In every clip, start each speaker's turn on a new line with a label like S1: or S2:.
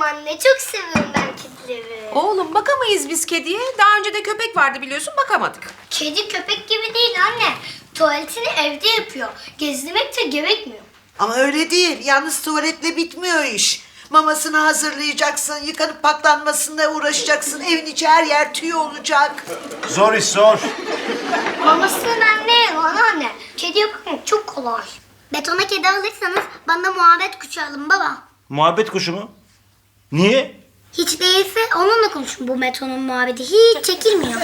S1: anne. Çok seviyorum ben kedileri.
S2: Oğlum bakamayız biz kediye. Daha önce de köpek vardı biliyorsun, bakamadık.
S1: Kedi köpek gibi değil anne. Tuvaletini evde yapıyor. Gezdirmek de gerekmiyor.
S3: Ama öyle değil. Yalnız tuvaletle bitmiyor iş. Mamasını hazırlayacaksın, yıkanıp paklanmasına uğraşacaksın. Evin içi her yer tüy olacak.
S4: Zor iş zor.
S1: Mamasını ben ne yerim anne? Kediye bakmak çok kolay. Betona kedi alırsanız bana muhabbet kuşu alın baba.
S4: Muhabbet kuşu mu? Niye?
S1: Hiç değilse onunla konuşun, bu betonun muhabbeti hiç çekilmiyor.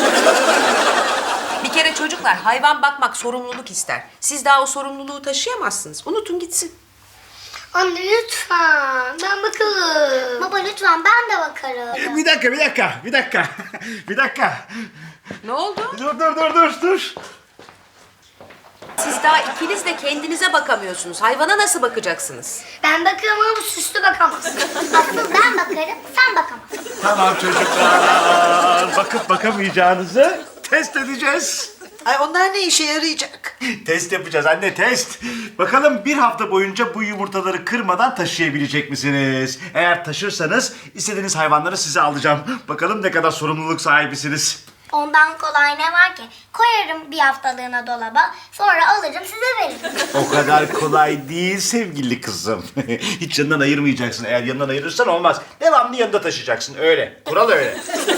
S2: Bir kere çocuklar, hayvan bakmak sorumluluk ister. Siz daha o sorumluluğu taşıyamazsınız. Unutun gitsin.
S1: Anne lütfen ben bakarım. Baba lütfen ben de bakarım.
S4: Bir dakika.
S2: Ne oldu?
S4: Dur.
S2: Siz daha ikiniz de kendinize bakamıyorsunuz. Hayvana nasıl bakacaksınız?
S1: Ben bakarım ama süslü bakamaz. Asıl ben bakarım, sen bakamazsın.
S4: Tamam çocuklar. Bakıp bakamayacağınızı test edeceğiz.
S3: Ay onlar ne işe yarayacak?
S4: Test yapacağız anne, test. Bakalım bir hafta boyunca bu yumurtaları kırmadan taşıyabilecek misiniz? Eğer taşırsanız istediğiniz hayvanları size alacağım. Bakalım ne kadar sorumluluk sahibisiniz.
S1: Ondan kolay ne var ki? Koyarım bir haftalığına dolaba, sonra alırım size veririm.
S4: O kadar kolay değil sevgili kızım. Hiç yanından ayırmayacaksın. Eğer yanından ayırırsan olmaz. Devamlı yanında taşıyacaksın. Öyle. Kural öyle.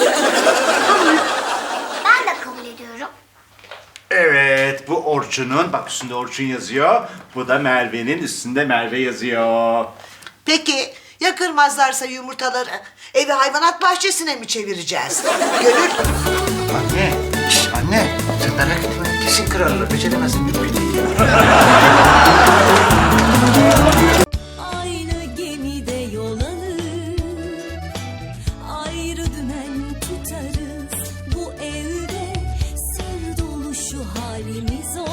S1: Ben de kabul ediyorum.
S4: Evet, bu Orçun'un, bak üstünde Orçun yazıyor. Bu da Merve'nin, üstünde Merve yazıyor.
S3: Peki ya kırmazlarsa yumurtaları? Evi hayvanat bahçesine mi çevireceğiz? Gönül.
S4: Anne, anne. Sen merak etme. Kesin kırarlar. Beceremezsin.
S5: Aynı gemide yol alır, ayrı dümen tutarız. Bu evde sır dolu şu halimiz